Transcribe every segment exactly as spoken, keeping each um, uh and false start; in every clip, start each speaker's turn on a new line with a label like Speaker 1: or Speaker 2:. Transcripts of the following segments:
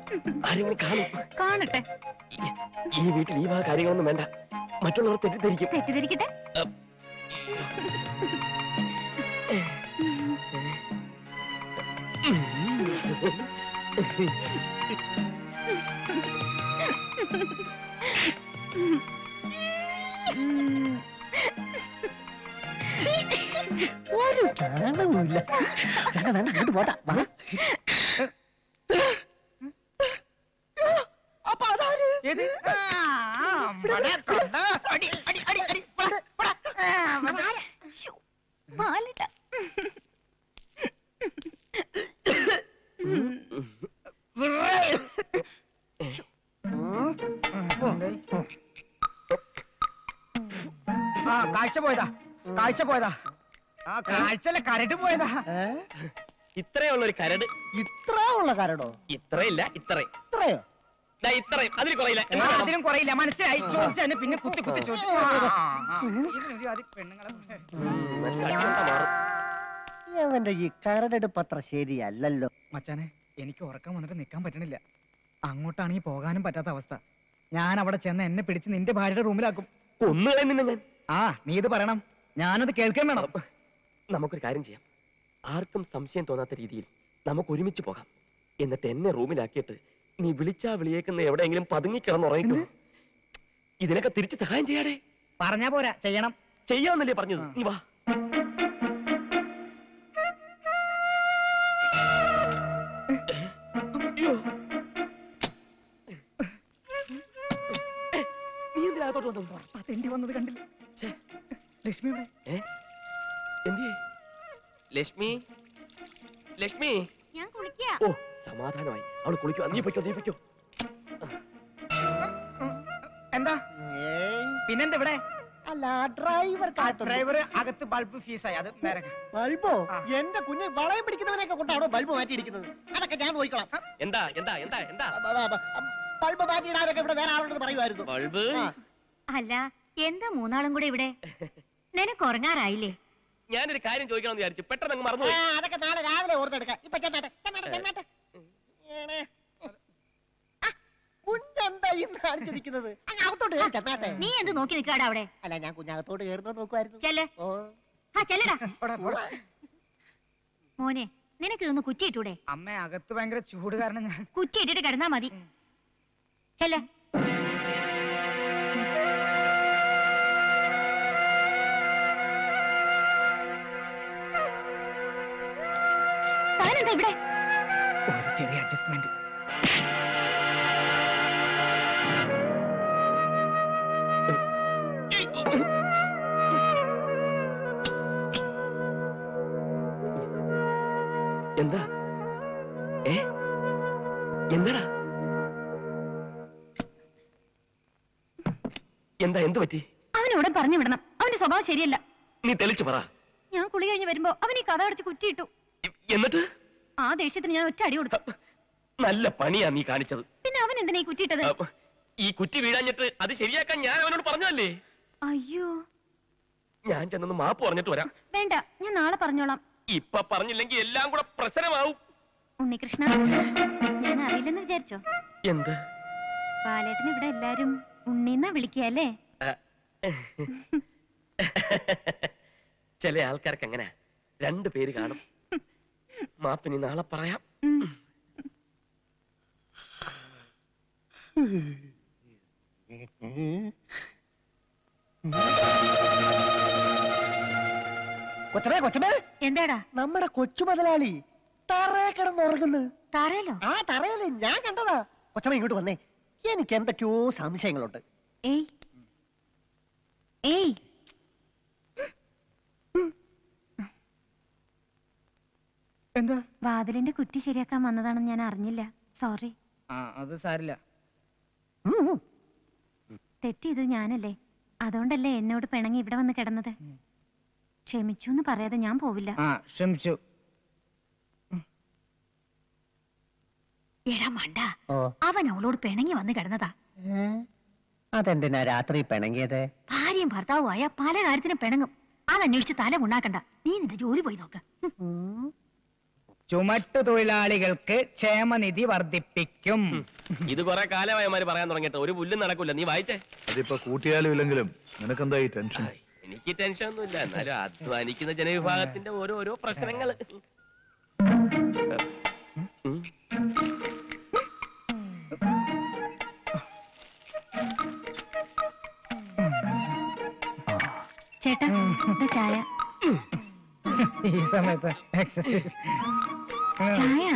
Speaker 1: ആരെങ്കിലും കാണും.
Speaker 2: കാണട്ടെ.
Speaker 1: ഈ വീട്ടിൽ ഈ വക കാര്യങ്ങളൊന്നും വേണ്ട. മറ്റുള്ളവർ തെറ്റിദ്ധരിക്കും.
Speaker 2: തെറ്റിദ്ധരിക്കട്ടെ.
Speaker 3: ഒരു കാണുമില്ല. വേണ്ട പോട്ടാ.
Speaker 4: അപ്പൊ അതാര്? ആ കാഴ്ച പോയതാ, കാഴ്ച പോയതാ. ആ കാഴ്ചല്ല കരട് പോയതാ.
Speaker 1: ഇത്രയുള്ള ഒരു കരട്.
Speaker 3: ഇത്ര ഉള്ള കരടോ?
Speaker 1: ഇത്രയില്ല, ഇത്ര.
Speaker 3: ഇത്രയോ?
Speaker 1: ഇത്രയും. അതിൽ കുറയില്ല.
Speaker 4: അതിനും കുറയില്ല. മനസ്സിലായി. ചോദിച്ചു പിന്നെ കുത്തി കുത്തി ചോദിച്ചു.
Speaker 3: അവന്റെ ഈ കരടെടുപ്പ് അത്ര ശരിയല്ലല്ലോ.
Speaker 4: മച്ചാനെ, എനിക്ക് ഉറക്കം വന്നിട്ട് നിൽക്കാൻ പറ്റണില്ല. അങ്ങോട്ടാണെങ്കിൽ പോകാനും പറ്റാത്ത അവസ്ഥ. ഞാൻ അവിടെ ചെന്ന് എന്നെ പിടിച്ച് നിന്റെ ഭാര്യയുടെ റൂമിലാക്കും.
Speaker 1: ഒന്നുകളെ നിന്നെ ഞാൻ.
Speaker 4: ആ നീ ഇത് പറയണം, ഞാനത് കേൾക്കാൻ വേണം.
Speaker 1: നമുക്കൊരു കാര്യം ചെയ്യാം. ആർക്കും സംശയം തോന്നാത്ത രീതിയിൽ നമുക്ക് ഒരുമിച്ച് പോകാം. എന്നിട്ട് എന്നെ റൂമിലാക്കിയിട്ട് നീ വിളിച്ചാ വിളിയേക്കുന്ന എവിടെയെങ്കിലും പതുങ്ങിക്കിടന്നുറങ്ങിക്കോ. ഇതിനൊക്കെ തിരിച്ച് സഹായം ചെയ്യാടേ.
Speaker 4: പറഞ്ഞാ പോരാ, ചെയ്യണം.
Speaker 1: ചെയ്യാന്നല്ലേ പറഞ്ഞത്. നീ വാ. നീ എന്തിനകത്തോട്ട് വന്നു?
Speaker 4: തെണ്ടി വന്നത് കണ്ടില്ല. ലക്ഷ്മി ഇവിടെ.
Speaker 1: എന്തിയേ? ലക്ഷ്മി, ലക്ഷ്മി.
Speaker 2: ഞാൻ കുളിക്കാ.
Speaker 1: ഓ സമാധാനമായി. അവള് കുളിക്കോ. നീ പൊയ്ക്കോ, നീ പൊയ്ക്കോ.
Speaker 4: എന്താ പിന്നെന്താ ഇവിടെ?
Speaker 3: അല്ല ഡ്രൈവർ
Speaker 4: ഡ്രൈവർ അകത്ത് ബൾബ് ഫീസായി. അത് നേരെ
Speaker 3: ബൾബോ? എന്റെ കുഞ്ഞ് വളയം പിടിക്കുന്നവനെയൊക്കെ കൊണ്ടാണോ ബൾബ് മാറ്റിയിരിക്കുന്നത്? അതൊക്കെ ഞാൻ നോക്കിക്കോളാം.
Speaker 1: എന്താ എന്താ എന്താ എന്താ
Speaker 3: ബൾബ് മാറ്റിയിടാനൊക്കെ ഇവിടെ വേറെ ആളോട് പറയുമായിരുന്നു.
Speaker 1: ബൾബ്
Speaker 2: അല്ല, എന്താ മൂന്നാളും കൂടെ ഇവിടെ? നിനക്ക് ഉറങ്ങാറായില്ലേ?
Speaker 1: ഞാനൊരു കാര്യം ചോദിക്കണമെന്ന് വിചാരിച്ചു, പെട്ടെന്ന് അങ്ങ് മറന്നു.
Speaker 3: അതൊക്കെ നാളെ രാവിലെ ഓർത്തെടുക്കാം. ഇപ്പൊ ചെന്നാട്ടെ ചെന്നാട്ടെ. കുഞ്ഞെന്താ ഇന്ന് കാണിച്ചിരിക്കുന്നത്? അകത്തോട്ട് കയറി ചെന്നാട്ടെ.
Speaker 2: നീ എന്ത് നോക്കി നിൽക്കാടാ അവിടെ?
Speaker 3: അല്ല, ഞാൻ കുഞ്ഞകത്തോട്ട് കയറുന്നത് നോക്കുമായിരുന്നു.
Speaker 2: ചെല്ലേ.
Speaker 3: ഓ
Speaker 2: ആ ചെല്ലടാ. മോനെ, നിനക്ക് ഇതൊന്ന് കുറ്റിയിട്ടൂടെ?
Speaker 4: അമ്മ അകത്ത് ഭയങ്കര ചൂട് കാരണം ഞാൻ
Speaker 2: കുറ്റിയിട്ടിട്ട് കിടന്നാ മതി. ചെല്ലേ. താനെന്താ ഇവിടെ?
Speaker 4: ഒരു ചെറിയ അഡ്ജസ്റ്റ്മെന്റ്.
Speaker 1: എന്താ ഏ എന്താടാ? എന്താ എന്ത് പറ്റി?
Speaker 2: അവനോട് പറഞ്ഞു വിടണം. അവന്റെ സ്വഭാവം ശരിയല്ല.
Speaker 1: നീ തെളിച്ചു പറ.
Speaker 2: ഞാൻ കുളി കഴിഞ്ഞ് വരുമ്പോ അവൻ ഈ കഥ അടച്ച് കുറ്റിയിട്ടു.
Speaker 1: എന്നിട്ട്
Speaker 2: ആ ദേഷ്യത്തിന് ഞാൻ ഒറ്റ അടി കൊടുത്തു.
Speaker 1: നല്ല പണിയാ നീ കാണിച്ചത്.
Speaker 2: പിന്നെ അവൻ എന്തിനാ ഈ കുറ്റിയിട്ടത്?
Speaker 1: ഈ കുറ്റി വീഴാഞ്ഞിട്ട് അത് ശരിയാക്കാൻ ഞാൻ അവനോട് പറഞ്ഞതല്ലേ.
Speaker 2: അയ്യോ,
Speaker 1: ഞാൻ ചെന്നൊന്ന് മാപ്പ് പറഞ്ഞിട്ട് വരാം.
Speaker 2: വേണ്ട, ഞാൻ നാളെ പറഞ്ഞോളാം.
Speaker 1: ഇപ്പൊ പറഞ്ഞില്ലെങ്കിൽ എല്ലാം കൂടെ പ്രശ്നമാവും.
Speaker 2: ഉണ്ണികൃഷ്ണ, ഞാൻ അറിയില്ലെന്ന് വിചാരിച്ചോ?
Speaker 1: എന്ത്?
Speaker 2: ബാലേട്ടന് ഇവിടെ എല്ലാരും ഉണ്ണിന്നാ വിളിക്കല്ലേ?
Speaker 1: ചില ആൾക്കാർക്ക് അങ്ങനെ രണ്ടു പേര് കാണും. മാപ്പിനി നാളെ പറയാം.
Speaker 3: കൊച്ചമേ കൊച്ചമേ
Speaker 2: എന്താടാ?
Speaker 3: നമ്മുടെ കൊച്ചു മുതലാളി തറയെ കിടന്നുറങ്ങുന്നു.
Speaker 2: തറയിലോ?
Speaker 3: ആ തറയല്ലേ, ഞാൻ കണ്ടതാ. കൊച്ചമ ഇങ്ങോട്ട് വന്നേ, എനിക്ക് എന്തൊക്കെയോ സംശയങ്ങളുണ്ട്.
Speaker 2: ഏയ് ഏയ്
Speaker 4: എന്താ?
Speaker 2: വാതിലിന്റെ കുറ്റി ശരിയാക്കാൻ വന്നതാണെന്ന് ഞാൻ അറിഞ്ഞില്ല. സോറി.
Speaker 4: ആ അത് സാരില്ല.
Speaker 2: തെറ്റിയത് ഞാനല്ലേ, അതുകൊണ്ടല്ലേ എന്നോട് പിണങ്ങി ഇവിടെ വന്ന് കിടന്നത്. ക്ഷമിച്ചു എന്ന് പറയാതെ ഞാൻ പോവില്ല.
Speaker 4: ആ ക്ഷമിച്ചു.
Speaker 2: എടാ മണ്ട, അവൻ അവളോട് പിണങ്ങി വന്ന് കിടന്നതാ.
Speaker 3: അതെന്തിനാ രാത്രി പിണങ്ങിയത്?
Speaker 2: ഭാര്യയും ഭർത്താവുമായ പല കാര്യത്തിനും പിണങ്ങും. അതന്വേഷിച്ച് തല ഉണ്ടാക്കണ്ട. നീ നിന്റെ ജോലി പോയി നോക്ക്.
Speaker 4: ചുമട്ടു തൊഴിലാളികൾക്ക് ക്ഷേമനിധി വർദ്ധിപ്പിക്കും.
Speaker 1: ഇത് കുറെ കാലമായമാര് പറയാൻ തുടങ്ങിയിട്ട് ഒരു പുല്ലും നടക്കൂല. നീ വായിച്ചേ.
Speaker 5: അതിപ്പോ കൂട്ടിയാലും ഇല്ലെങ്കിലും നിനക്കെന്താ ഈ ടെൻഷൻ?
Speaker 1: എനിക്ക് ടെൻഷൻ ഒന്നുമില്ല, എന്നാലും അധ്വാനിക്കുന്ന ജനവിഭാഗത്തിന്റെ ഓരോരോ പ്രശ്നങ്ങൾ.
Speaker 2: ചേട്ടാ ഇത് ചായ.
Speaker 4: ഈ സമയത്ത് എക്സസൈസ്
Speaker 2: ചായ.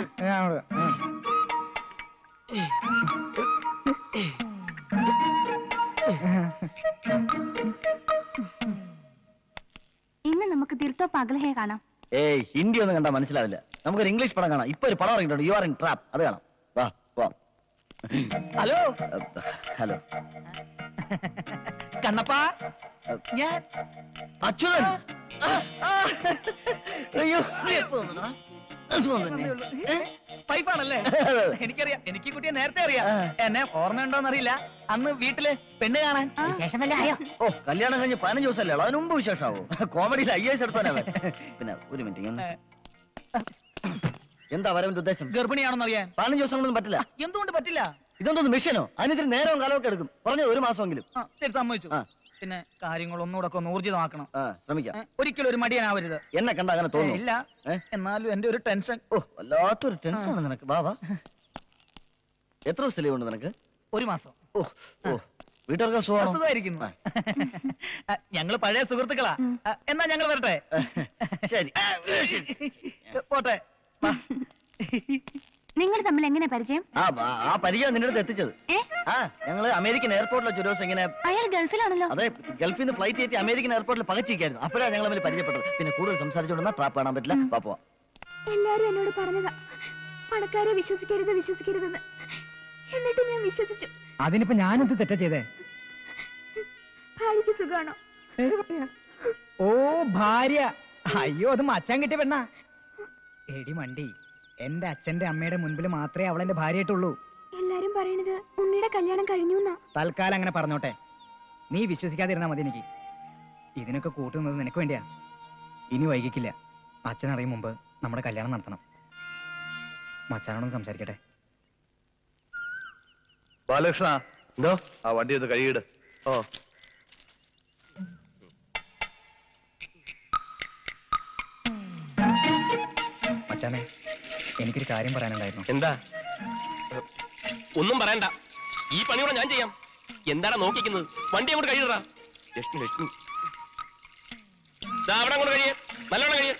Speaker 2: ഇന്ന് നമുക്ക് ദിൽത്തോ പഗൽഹേ കാണാം.
Speaker 3: ഏയ് ഹിന്ദി ഒന്നും കണ്ടാ മനസ്സിലാവില്ല. നമുക്കൊരു ഇംഗ്ലീഷ് പടം കാണാം. ഇപ്പൊ ഒരു പടം ഇറങ്ങിയിട്ടുണ്ട്, യു ആർ ഇൻ ട്രാപ്പ്. അത് കാണാം. വാ വാ.
Speaker 4: ഹലോ
Speaker 3: ഹലോ
Speaker 4: കണ്ണപ്പ, ഞാൻ
Speaker 3: അച്യുതൻ. അയ്യോ
Speaker 4: പൈപ്പാണല്ലേ? എനിക്കറിയാം, എനിക്ക് ഈ കുട്ടിയെ നേരത്തെ അറിയാം. എന്നെ ഓർമ്മയുണ്ടോന്നറിയില്ല. അന്ന് വീട്ടില് പെണ്ണ് കാണാൻ വിശേഷമല്ലേ ആയോ?
Speaker 3: ഓ കല്യാണം കഴിഞ്ഞ് പതിനഞ്ച് ദിവസമല്ലേ ഉള്ളൂ, അതിന് മുമ്പ് വിശേഷമാവോ? കോമഡിയിൽ ഐ എസ് എടുത്താനവൻ. പിന്നെ ഒരു മിനിറ്റ്, എന്താ വരവന്റെ ഉദ്ദേശം?
Speaker 4: ഗർഭിണിയാണെന്ന് അറിയാൻ.
Speaker 3: പതിനഞ്ച് ദിവസം കൊണ്ടൊന്നും പറ്റില്ല.
Speaker 4: എന്തുകൊണ്ട് പറ്റില്ല?
Speaker 3: ഇതൊന്നും മിഷനോ? അതിനിത്തിരി നേരവും കാലമൊക്കെ എടുക്കും. പറഞ്ഞത് ഒരു മാസമെങ്കിലും.
Speaker 4: ആ, ശരി, സമ്മതിച്ചു.
Speaker 3: ആ.
Speaker 4: പിന്നെ കാര്യങ്ങൾ ഒന്നുകൂടെ ഒക്കെ ഒന്ന് ഊർജിതമാക്കണം.
Speaker 3: ആ ശ്രമിക്കാം.
Speaker 4: ഏ, ഒരിക്കലും ഒരു മടിയനാവരുത്.
Speaker 3: എന്നെ കണ്ട അങ്ങനെ
Speaker 4: ഏ,
Speaker 3: തോന്നുന്നു.
Speaker 4: ഇല്ല.
Speaker 3: ഏ?
Speaker 4: എന്നാലും എന്റെ ഒരു ടെൻഷൻ.
Speaker 3: ഓ വല്ലാത്തൊരു ടെൻഷനാണ് നിനക്ക്. വാ വാ. എത്ര ദിവസം ലീവ് ഉണ്ട് നിനക്ക്?
Speaker 4: ഒരു മാസം.
Speaker 3: ഓ ഓ വീട്ടുകാർക്ക് സുഖമാണോ?
Speaker 4: സുഖമായിരിക്കുന്നു. ഞങ്ങള് പഴയ സുഹൃത്തുക്കളാ. ആ, എന്നാ ഞങ്ങൾ വരട്ടെ.
Speaker 3: ശരി
Speaker 4: പോട്ടെ. വാ.
Speaker 2: നിങ്ങൾ തമ്മിൽ എങ്ങനെ പരിചയം?
Speaker 3: ആ ആ- ആ പരിചയം നിന്റെ അടുത്ത് എത്തിച്ചത്.
Speaker 2: ഏ
Speaker 3: ആ ഞങ്ങള് അമേരിക്കൻ എയർപോർട്ടിൽ വെച്ച് ഒരു ദിവസം ഇങ്ങനെ,
Speaker 2: അയാൾ ഗൾഫിലാണല്ലോ.
Speaker 3: അതെ ഗൾഫിൽ നിന്ന് ഫ്ലൈറ്റ് കയറ്റി അമേരിക്കൻ എയർപോർട്ടിൽ പകച്ചിരിക്കായിരുന്നു. അപ്പോഴാണ് ഞങ്ങൾ തമ്മിൽ പരിചയപ്പെട്ടത്. പിന്നെ കൂടുതൽ സംസാരിച്ചുകൊണ്ടിരുന്ന ട്രാപ്പ് കാണാൻ പറ്റില്ല. വാ പോവാം.
Speaker 2: എല്ലാരും എന്നോട് പറഞ്ഞതാ പണക്കാരെ വിശ്വസിക്കരുത് വിശ്വസിക്കരുതെന്ന്. എന്നിട്ട് ഞാൻ വിശ്വസിച്ചു.
Speaker 4: അതിനിപ്പോ ഞാനെന്ത് തെറ്റാ ചെയ്തേ?
Speaker 2: ഭാര്യക്ക് സുഖാണോ?
Speaker 4: ഓ ഭാര്യ. അയ്യോ, അത് മച്ചാൻ കിട്ടിയ പെണ്ണാ. എടി മണ്ടി, എന്റെ അച്ഛന്റെ അമ്മയുടെ മുൻപിൽ മാത്രമേ അവൾ എന്റെ ഭാര്യയായിട്ടുള്ളൂ.
Speaker 2: എല്ലാരും പറയണത് ഉണ്ണിയുടെ കല്യാണം കഴിഞ്ഞു എന്നാ.
Speaker 4: തൽക്കാലം അങ്ങനെ പറഞ്ഞോട്ടെ. നീ വിശ്വസിക്കാതിരുന്നാ മതി. എനിക്ക് ഇതിനൊക്കെ കൂട്ടുന്നത് നിനക്ക് വേണ്ടിയാ. ഇനി വൈകിക്കില്ല. അച്ഛൻ അറിയും മുമ്പ് നമ്മുടെ കല്യാണം നടത്തണം. മച്ചാനോടൊന്ന് സംസാരിക്കട്ടെ.
Speaker 5: ബാലകൃഷ്ണ,
Speaker 1: എന്തോ?
Speaker 5: ആ വണ്ടി ഒന്ന് കഴുകിയിട്.
Speaker 1: ഓ
Speaker 4: മച്ചാനെ, എനിക്കൊരു കാര്യം പറയാനുണ്ടായിരുന്നു.
Speaker 1: എന്താ? ഒന്നും പറയണ്ട, ഈ പണിയോടെ ഞാൻ ചെയ്യാം. എന്താണ് നോക്കിക്കുന്നത്? വണ്ടി അങ്ങോട്ട് കഴിയടാ. ലക്ഷ്മി ലക്ഷ്മി ദാ അവിടെ അങ്ങോട്ട് കഴിയേ, നല്ലോണം കഴിയേ.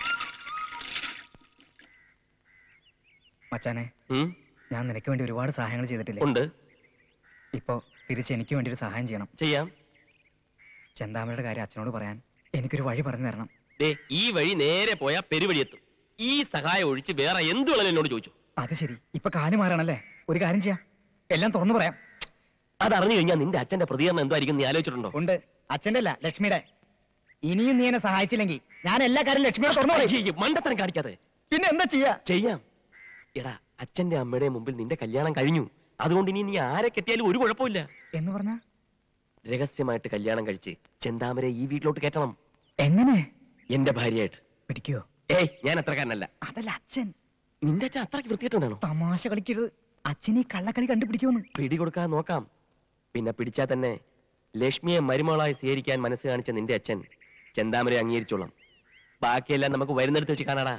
Speaker 4: മച്ചാനെ,
Speaker 1: ഉം,
Speaker 4: ഞാൻ നിനക്ക് വേണ്ടി ഒരുപാട് സഹായങ്ങൾ ചെയ്തിട്ടില്ലേ?
Speaker 1: ഉണ്ട്,
Speaker 4: ഇപ്പോ തിരിച്ച് എനിക്ക് വേണ്ടി ഒരു സഹായം ചെയ്യണം.
Speaker 1: ചെയ്യാം.
Speaker 4: ചെന്താമരയുടെ കാര്യം അച്ഛനോട് പറയാൻ എനിക്കൊരു വഴി പറഞ്ഞു തരണം.
Speaker 1: ദേ ഈ വഴി നേരെ പോയാ പെരുവഴി എത്തും. ഈ സഹായം ഒഴിച്ച് വേറെ എന്ത് വേണമെങ്കിലും എന്നോട് ചോദിച്ചു.
Speaker 4: അത് ശരി, ഇപ്പൊ കാല് മാറാണല്ലേ? ഒരു കാര്യം ചെയ്യാം, എല്ലാം തുറന്നു പറയാം.
Speaker 1: അതറിഞ്ഞു കഴിഞ്ഞാൽ നിന്റെ അച്ഛന്റെ പ്രതികരണം എന്തായിരിക്കും നീ ആലോചിച്ചിട്ടുണ്ടോ?
Speaker 4: ഉണ്ട്, അച്ഛന്റെ അല്ല ലക്ഷ്മിയുടെ. ഇനിയും നീ എന്നെ സഹായിച്ചില്ലെങ്കിൽ ഞാൻ എല്ലാ കാര്യം ലക്ഷ്മിയോട് തുറന്നു പറയും.
Speaker 1: അയ്യയ്യ, മണ്ടത്തരം കാണിക്കാതെ.
Speaker 4: പിന്നെ എന്താ ചെയ്യാ?
Speaker 1: ചെയ്യാം. എടാ, അച്ഛന്റെ അമ്മയുടെ മുമ്പിൽ നിന്റെ കല്യാണം കഴിഞ്ഞു. അതുകൊണ്ട് ഇനി നീ ആരെ കെട്ടിയാലും ഒരു കുഴപ്പമില്ല.
Speaker 4: എന്ന് പറഞ്ഞ
Speaker 1: രഹസ്യമായിട്ട് കല്യാണം കഴിച്ച് ചെന്താമരെ ഈ വീട്ടിലോട്ട് കയറ്റണം.
Speaker 4: എങ്ങനെ?
Speaker 1: എന്റെ ഭാര്യയായിട്ട്.
Speaker 4: പിടിക്കോ?
Speaker 1: ഏയ്, ഞാൻ അത്രക്കാരനല്ല.
Speaker 4: അതല്ല അച്ഛൻ.
Speaker 1: നിന്റെ അച്ഛൻ അത്രയ്ക്ക് വൃത്തികെട്ടവനാണോ?
Speaker 4: തമാശ കളിക്കരുത്. അച്ഛൻ ഈ കള്ളക്കളി കണ്ടുപിടിക്കുമെന്ന്.
Speaker 1: പിടി കൊടുക്കാൻ നോക്കാം. പിന്നെ പിടിച്ചാൽ തന്നെ ലക്ഷ്മിയെ മരുമകളായി സ്വീകരിക്കാൻ മനസ്സ് കാണിച്ച നിന്റെ അച്ഛൻ ചെന്താമരെ അംഗീകരിച്ചോളാം. ബാക്കിയെല്ലാം നമുക്ക് വരുന്നിടത്ത് വെച്ച് കാണാടാ.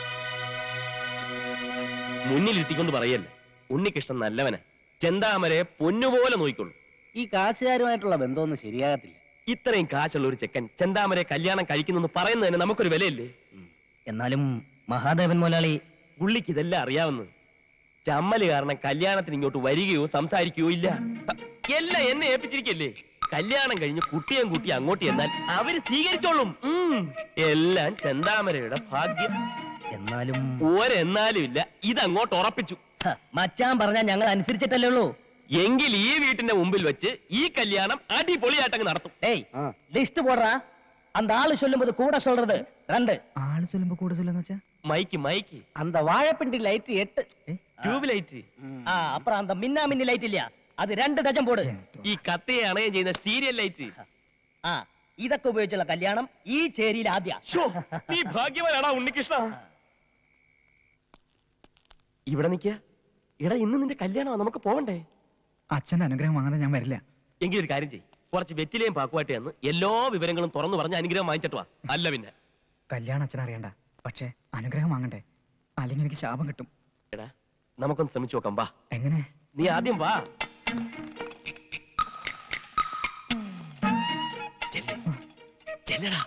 Speaker 1: മുന്നിലിരുത്തിക്കൊണ്ട് പറയല്ലേ, ഉണ്ണികൃഷ്ണൻ നല്ലവന്, ചെന്താമരെ പൊന്നുപോലെ നോക്കിക്കൊള്ളു.
Speaker 3: ഈ കാശുകാരുമായിട്ടുള്ള ബന്ധമൊന്നും ശരിയാകത്തില്ല.
Speaker 1: ഇത്രയും കാശുള്ള ഒരു ചെക്കൻ ചെന്താമരെ കല്യാണം കഴിക്കുന്നു പറയുന്നതിന് നമുക്കൊരു വിലയില്ലേ?
Speaker 3: എന്നാലും മഹാദേവൻ മുതലാളി
Speaker 1: പുള്ളിക്ക് ഇതെല്ലാം അറിയാവുന്നത്. ചമ്മല് കാരണം കല്യാണത്തിന് ഇങ്ങോട്ട് വരികയോ സംസാരിക്കുകയോ ഇല്ല. എല്ലാം എന്നെ ഏൽപ്പിച്ചിരിക്കല്ലേ. കല്യാണം കഴിഞ്ഞ് കുട്ടിയും കുട്ടി അങ്ങോട്ട് എന്നാൽ അവര് സ്വീകരിച്ചോളും. ഉം. എല്ലാം ചെന്താമരയുടെ ഭാഗ്യം.
Speaker 3: എന്നാലും
Speaker 1: ഒരെന്നാലും ഇല്ല, ഇതങ്ങോട്ട് ഉറപ്പിച്ചു.
Speaker 3: മച്ചാൻ പറഞ്ഞാൽ ഞങ്ങൾ അനുസരിച്ചിട്ടല്ലേ ഉള്ളൂ.
Speaker 1: എങ്കിൽ ഈ വീട്ടിന്റെ മുമ്പിൽ വെച്ച് ഈ കല്യാണം അടിപൊളിയായിട്ടങ്ങ് നടത്തും.
Speaker 3: ഏയ് ലിസ്റ്റ് പോടാ. அந்த ஆளு சொல்லும்போது கூட சொல்றது ரெண்டு.
Speaker 4: ആള് ചൊല്ലുമ്പോ കൂടെ ചൊല്ലെന്ന് വെച്ചാ?
Speaker 1: മൈക്ക് മൈക്ക്
Speaker 3: அந்த வாழைப்பிண்டி லைட் எட்டு.
Speaker 1: Tube light.
Speaker 3: ஆ அப்புறம் அந்த மின்னா மின்னி லைட் இல்லையா, அது ரெண்டு டஜன் போடு.
Speaker 1: ഈ കത്തയെ അണയം ചെയ്യുന്ന സ്റ്റീരിയൽ ലൈറ്റ്.
Speaker 3: ആ ഇതൊക്കെ ഉപയോഗിച്ചുള്ള കല്യാണം ഈ ചേരിയിൽ ആദ്യ.
Speaker 1: ശ്ശോ, നീ ഭാഗ്യവാനാടാ ഉണ്ണികൃഷ്ണ. ഇവിടെ നിൽക്കുക. എടാ ഇന്ന് നിന്റെ കല്യാണമാ, നമുക്ക് പോവണ്ടേ?
Speaker 4: അച്ഛന്റെ അനുഗ്രഹം വാങ്ങാതെ ഞാൻ വരില്ല.
Speaker 1: എങ്കിൽ ഒരു കാര്യം ചെയ്യും, കുറച്ച് വെറ്റിലേയും പാക്കുമായിട്ട് എന്ന് എല്ലാ വിവരങ്ങളും തുറന്നു പറഞ്ഞ് അനുഗ്രഹം വാങ്ങിച്ചിട്ട് വാ. അല്ല പിന്നെ
Speaker 4: കല്യാണം അച്ഛൻ അറിയണ്ട, പക്ഷെ അനുഗ്രഹം വാങ്ങണ്ടേ, അല്ലെങ്കിൽ എനിക്ക് ശാപം കിട്ടും.
Speaker 1: എടാ നമുക്കൊന്ന് ശ്രമിച്ചു നോക്കാം. വാ.
Speaker 4: എങ്ങനെ?
Speaker 1: നീ ആദ്യം വാ. ചെല്ല്. ചെല്ലടാ.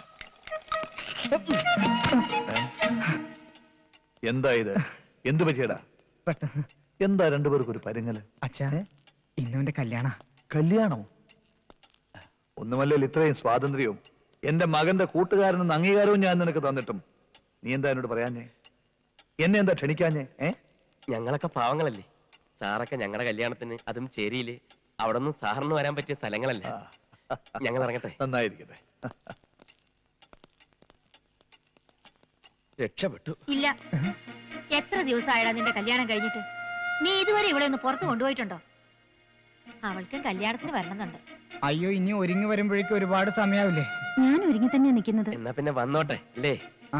Speaker 5: എന്താ ഇത്? എന്ത് പറ്റിയടാ?
Speaker 4: പെട്ടെന്ന്
Speaker 5: എന്താ രണ്ടുപേർക്കും ഒരു പരുങ്ങല്?
Speaker 4: അച്ഛാ, ഇന്നുവിന്റെ കല്യാണ.
Speaker 5: കല്യാണമോ? ഒന്നുമല്ലല്ലോ ഇത്രയും സ്വാതന്ത്ര്യവും എന്റെ മകന്റെ കൂട്ടുകാരനെന്ന് അംഗീകാരവും ഞാൻ നിനക്ക് തന്നിട്ടും നീ എന്താ എന്നോട് പറയാഞ്ഞേ? എന്നെ എന്താ ക്ഷണിക്കാഞ്ഞേ? ഏ
Speaker 1: ഞങ്ങളൊക്കെ പാവങ്ങളല്ലേ. സാറൊക്കെ ഞങ്ങളുടെ കല്യാണത്തിന്, അതും ചേരിയില്, അവിടെ ഒന്നും സാറിന് വരാൻ പറ്റിയ സ്ഥലങ്ങളല്ലേ. ഞങ്ങൾ ഇറങ്ങട്ടെ.
Speaker 5: നന്നായിരിക്കട്ടെ.
Speaker 1: രക്ഷപ്പെട്ടു.
Speaker 6: ഇല്ല, എത്ര ദിവസമായടാ നിന്റെ കല്യാണം കഴിഞ്ഞിട്ട്? നീ ഇതുവരെ ഇവിടെ ഒന്ന് പുറത്ത് കൊണ്ടുപോയിട്ടുണ്ടോ? അവൾക്കും കല്യാണത്തിന് വരണമെന്നുണ്ട്.
Speaker 4: അയ്യോ, ഇനി ഒരുങ്ങി വരുമ്പോഴേക്കും ഒരുപാട് സമയാവില്ലേ?
Speaker 2: ഞാൻ ഒരുങ്ങി തന്നെയാ നിൽക്കുന്നത്.
Speaker 1: എന്നാ പിന്നെ വന്നോട്ടെ അല്ലേ?
Speaker 4: ആ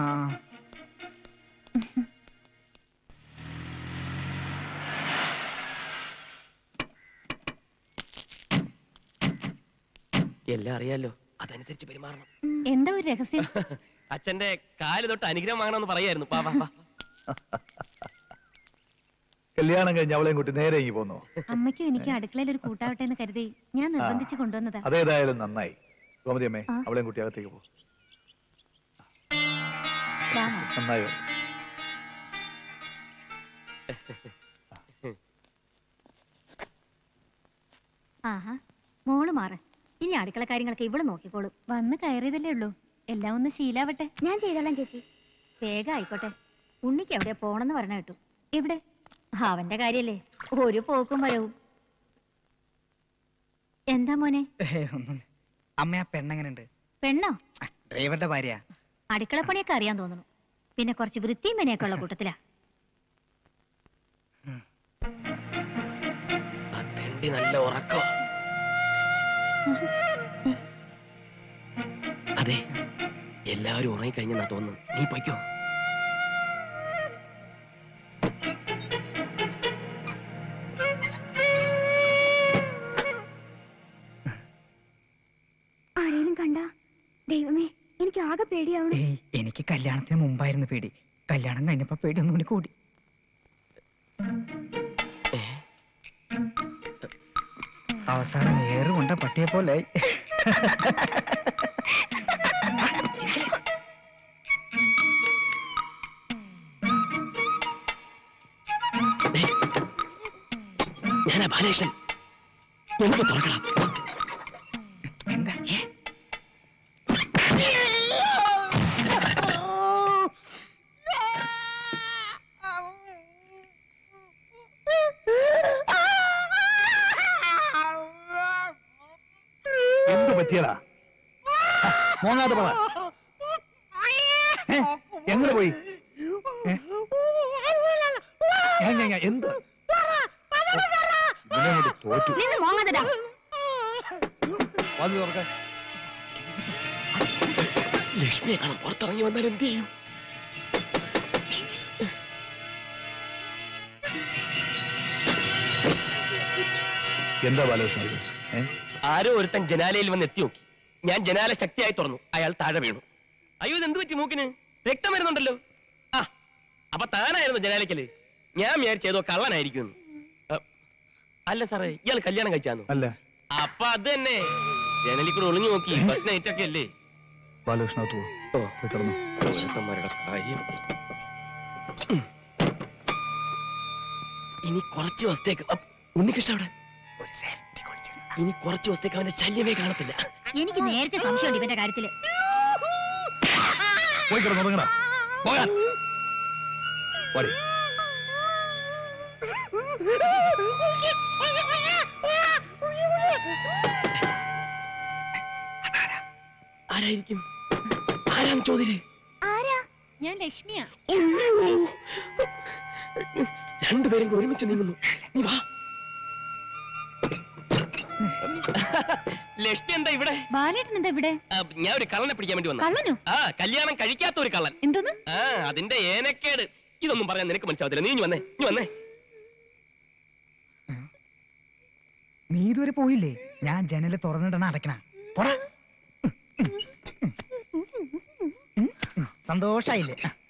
Speaker 1: എല്ലാം അറിയാലോ, അതനുസരിച്ച് പെരുമാറണം.
Speaker 2: എന്താ ഒരു രഹസ്യം?
Speaker 1: അച്ഛന്റെ കാല് തൊട്ട് അനുഗ്രഹം വാങ്ങണമെന്ന് പറയായിരുന്നു. വാ വാ വാ.
Speaker 5: കല്യാണം കഴിഞ്ഞ് അവളെയും കൂട്ടി നേരെ ഇങ്ങി പോന്നോ?
Speaker 2: അമ്മയ്ക്കും എനിക്ക് അടുക്കളയിൽ ഒരു കൂട്ടാവട്ടെ എന്ന് കരുതി ഞാൻ നിർബന്ധിച്ച് കൊണ്ടുവന്നതാ.
Speaker 5: അതേതായാലും നന്നായി. ഗോമതി അമ്മേ,
Speaker 2: ആ.
Speaker 5: അവളെയും കുട്ടി അകത്തേക്ക് പോ.
Speaker 6: രാമ,
Speaker 5: നന്നായോ?
Speaker 6: ആഹാ, മോള് മാറ്. ഇനി അടുക്കള കാര്യങ്ങളൊക്കെ ഇവള് നോക്കിക്കോളും.
Speaker 2: വന്ന് കയറിയതല്ലേ ഉള്ളൂ, എല്ലാം ഒന്ന് ശീലാവട്ടെ.
Speaker 6: ഞാൻ ചെയ്തോളാം ചേച്ചി. വേഗം ആയിക്കോട്ടെ. ഉണ്ണിക്ക് എവിടെയാ പോണെന്ന് പറഞ്ഞ കേട്ടു.
Speaker 2: എവിടെ?
Speaker 6: അവന്റെ കാര്യല്ലേ, ഒരു പോക്കും വരവും. എന്താ മോനെ?
Speaker 4: ഏ, ഒന്നും. അമ്മ, ആ പെണ്ണെങ്ങനുണ്ട്?
Speaker 6: പെണ്ണോ?
Speaker 4: ആ, ഡ്രൈവറുടെ ഭാര്യ.
Speaker 6: അടുക്കളപ്പണിയൊക്കെ അറിയാൻ തോന്നുന്നു. പിന്നെ കുറച്ച് വൃത്തിയും മെനയൊക്കെ ഉള്ള കൂട്ടത്തിലാ.
Speaker 1: ആ തെണ്ടി നല്ല ഉറക്കോ. അതെ, എല്ലാവരും ഉറങ്ങിക്കഴിഞ്ഞെന്നാ തോന്നുന്നു. നീ പൊയ്ക്കോ.
Speaker 2: ആരെയും കണ്ട? ദൈവമേ, എനിക്ക് ആകെ പേടിയാവണം.
Speaker 4: ഏയ്, എനിക്ക് കല്യാണത്തിന് മുമ്പായിരുന്നു പേടി. കല്യാണം കഴിഞ്ഞപ്പോ പേടി ഒന്നും കൂടി കൂടി. അവസാനം ഏറുകൊണ്ട പട്ടിയെ പോലെ.
Speaker 1: ഞാനാ ബാലകൃഷ്ണൻ. എനിക്ക് തുറക്കണം.
Speaker 4: എന്താ?
Speaker 5: എന്ത് പറ്റിയടാ? മോങ്ങാതെ പറ. ഏ? എങ്ങനെ പോയി? ഏ? ഞാൻ- ഞാൻ- ഞാൻ- എന്ത്? ഇവനെ കൊണ്ട് തോറ്റു.
Speaker 6: നിന്ന് മോങ്ങതടാ.
Speaker 5: വന്നു തുറക്കാൻ.
Speaker 1: ലക്ഷ്മിയെ കാണാൻ പുറത്തിറങ്ങി വന്നാൽ എന്ത് ചെയ്യും?
Speaker 5: എന്താ ബാലകൃഷ്ണ ഇത്? ഏ?
Speaker 1: ആരോ ഒരുത്തൻ ജനാലയിൽ വന്ന് എത്തി നോക്കി. ഞാൻ ജനാല ശക്തിയായി തുറന്നു. അയാൾ താഴെ വീണു. അയ്യോ, ഇത് എന്ത് പറ്റി? മൂക്കിന് രക്തം വരുന്നുണ്ടല്ലോ. ആ, അപ്പൊ താനായിരുന്നു ജനാലയ്ക്കല്. ഞാൻ വിചാരിച്ചേതോ കള്ളനായിരിക്കും. അല്ല സാറേ, ഇയാൾ കല്യാണം കഴിച്ചാന്നു?
Speaker 5: അല്ല,
Speaker 1: അപ്പൊ അത് തന്നെ, ജനലിൽ കൂടെ ഒളിഞ്ഞു നോക്കി. ഫസ്റ്റ് നൈറ്റ് ഒക്കെ അല്ലേ?
Speaker 5: ബാലകൃഷ്ണ അകത്ത് പോ.
Speaker 1: ഓ,
Speaker 5: പോയി കിടന്നു.
Speaker 1: ഓരോരുത്തന്മാരുടെ കാര്യം. ഇനി കുറച്ച് ദിവസത്തേക്ക് അപ്പ് ഉണ്ണികൃഷ്ണ അവിടെ ഒരു സേഫ്റ്റി കുറിച്ച്. ഇനി കുറച്ച് ദിവസത്തേക്ക് അവന്റെ ശല്യമേ കാണത്തില്ല.
Speaker 6: എനിക്ക് നേരത്തെ സംശയമുണ്ട് ഇവന്റെ കാര്യത്തില്.
Speaker 5: പോയി കിടന്നു തുടങ്ങടാ. പോകാൻ വാടി.
Speaker 1: ആരായിരിക്കും? ആരാന്ന് ചോദ്യേ?
Speaker 2: ആരാ? ഞാൻ ലക്ഷ്മിയാ.
Speaker 1: രണ്ടുപേരും കൂടി ഒരുമിച്ച് നീങ്ങുന്നു. നീ വാ. ലക്ഷ്മി എന്താ ഇവിടെ?
Speaker 2: ബാലേട്ടൻ എന്താ ഇവിടെ?
Speaker 1: ആ, ഞാൻ ഒരു കള്ളനെ പിടിക്കാൻ വേണ്ടി വന്നു.
Speaker 2: കള്ളനോ?
Speaker 1: ആ, കല്യാണം കഴിക്കാത്ത ഒരു കള്ളൻ.
Speaker 2: എന്തോന്ന്?
Speaker 1: ആ, അതിന്റെ ഏനക്കേട് ഇതൊന്നും പറയാൻ നിനക്ക് മനസ്സിലാവത്തില്ല. നീ ഇനി വന്നേ, നീ വന്നേ.
Speaker 4: നീ ഇതുവരെ പോയില്ലേ? ഞാൻ ജനല് തുറന്നിടണ അടയ്ക്കണ. പോടാ. സന്തോഷായില്ലേ?